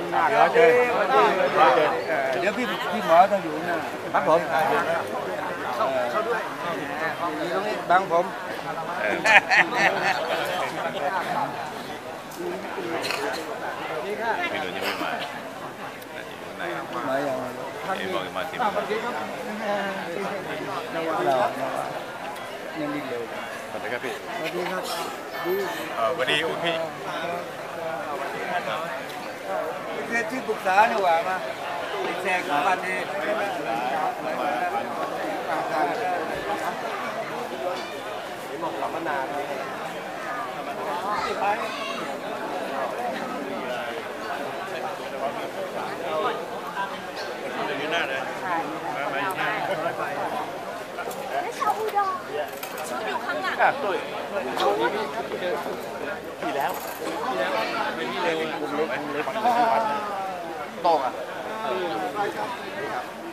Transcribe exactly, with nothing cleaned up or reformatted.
เดี๋ยวเจอเดี๋ยวพี่พี่หมอต้องอยู่นะครับผมเข้าด้วยอยู่ตรงนี้บังผมนี่ค่ะพี่หนูยังไม่มามาอย่างท่านบอกมาสิบเรายังดีเร็วสวัสดีครับพี่สวัสดีครับดีเออวันนี้อุ้พี่เรียนที่ปรึกษาเนี่ยว่ามาแชร์กับวันนี้หมอกสัมมนาไปอยู่หน้าเลยมามาอยู่หน้าชาวอุดรชอบอยู่ข้างหลังตุ้ยพี่แล้วพี่แล้วเป็นพี่เร็วกลุ่มเล็กกลุ่มเล็กโต้งอ่ะ